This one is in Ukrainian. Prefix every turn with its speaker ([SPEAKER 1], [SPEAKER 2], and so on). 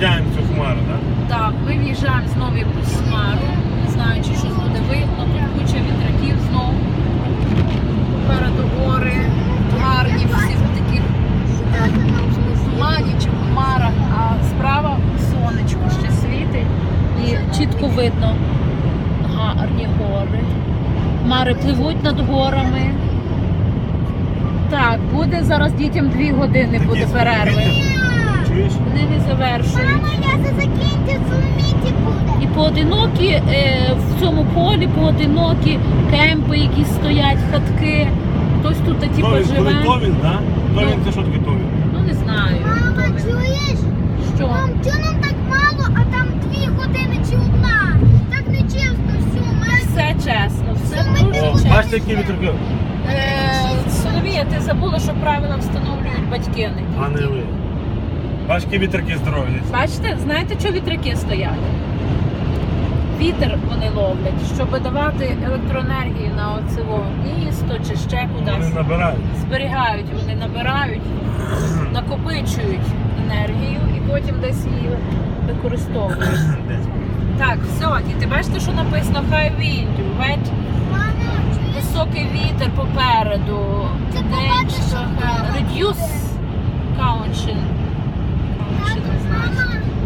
[SPEAKER 1] в'їжджаємо в цю хмару, так?
[SPEAKER 2] Так, ми в'їжджаємо знову в якусь хмару, не знаю, чи щось буде видно, тут куча вітраків знову. Попереду гори, гарні всі в таких тумані чи хмарах, а справа сонечко ще світить і чітко видно гарні гори. Хмари пливуть над горами. Так, буде зараз дітям 2 години буде перерви.
[SPEAKER 1] Чуєш?
[SPEAKER 2] Вони не завершують.
[SPEAKER 3] Мама, я за закінчу суміті буде.
[SPEAKER 2] І поодинокі в цьому полі поодинокі кемпи, які стоять, хатки. Хтось тут типу живе.
[SPEAKER 1] Товін, так? Товін це що таке товін?
[SPEAKER 2] Ну не знаю.
[SPEAKER 3] Мама,
[SPEAKER 2] Товін.
[SPEAKER 3] чуєш?
[SPEAKER 2] Що?
[SPEAKER 3] Мам, чого нам так мало, а там 2 години чи 1? Так не чесно,
[SPEAKER 2] Все чесно, все
[SPEAKER 3] Ми
[SPEAKER 2] дуже
[SPEAKER 1] О,
[SPEAKER 2] чесно.
[SPEAKER 1] бачите, які вітряки?
[SPEAKER 2] Соломія, ти забула, що правила встановлюють батьки,
[SPEAKER 1] А не ви. Бачите, які вітряки здорові.
[SPEAKER 2] Бачите, знаєте, що вітряки стоять? Вітер вони ловлять, щоб давати електроенергію на оцево місто чи ще
[SPEAKER 1] Вони
[SPEAKER 2] кудись.
[SPEAKER 1] набирають.
[SPEAKER 2] Зберігають, вони набирають, накопичують енергію і потім десь її використовують.
[SPEAKER 1] Десь.
[SPEAKER 2] Так, все, діти, бачите, що написано High wind, right? Високий вітер попереду.
[SPEAKER 3] Це побачиш, що
[SPEAKER 2] Reduce caution. Caution, не знаю.
[SPEAKER 3] Мама,